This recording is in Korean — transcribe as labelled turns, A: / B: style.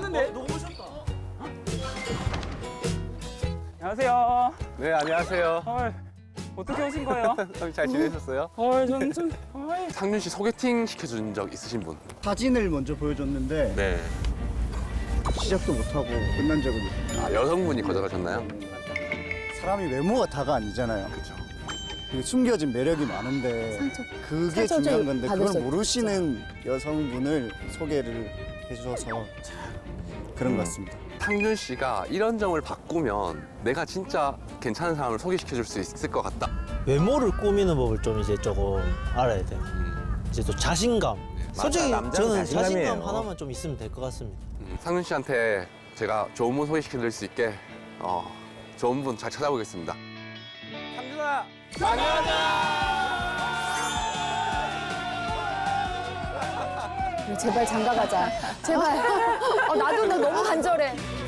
A: 오셨는데? 너무 오셨다. 안녕하세요.
B: 네, 안녕하세요.
A: 어떻게 오신 거예요?
B: 잘 지내셨어요?
A: 저는 좀,
B: 상준 씨 소개팅 시켜준 적 있으신 분?
C: 사진을 먼저 보여줬는데
B: 네.
C: 시작도 못하고 끝난 적은 있어요.
B: 아, 여성분이 거절하셨나요?
C: 사람이 외모가 다가 아니잖아요.
B: 그렇죠.
C: 그 숨겨진 매력이 많은데 그게
D: 상처
C: 중요한
D: 좀
C: 건데
D: 받을
C: 그걸
D: 수
C: 모르시는 여성분을 소개를 해줘서 그런 것 같습니다.
B: 상준 씨가 이런 점을 바꾸면 내가 진짜 괜찮은 사람을 소개시켜줄 수 있을 것 같다.
E: 외모를 꾸미는 법을 좀 이제 조금 알아야 돼요. 이제 또 자신감. 솔직히
F: 남자는
E: 저는
F: 자신감이에요.
E: 자신감 하나만 좀 있으면 될 것 같습니다.
B: 상준 씨한테 제가 좋은 분 소개시켜드릴 수 있게 좋은 분 잘 찾아보겠습니다. 상준아!
D: 제발 장가 가자. 제발. 나도 나 너무 간절해.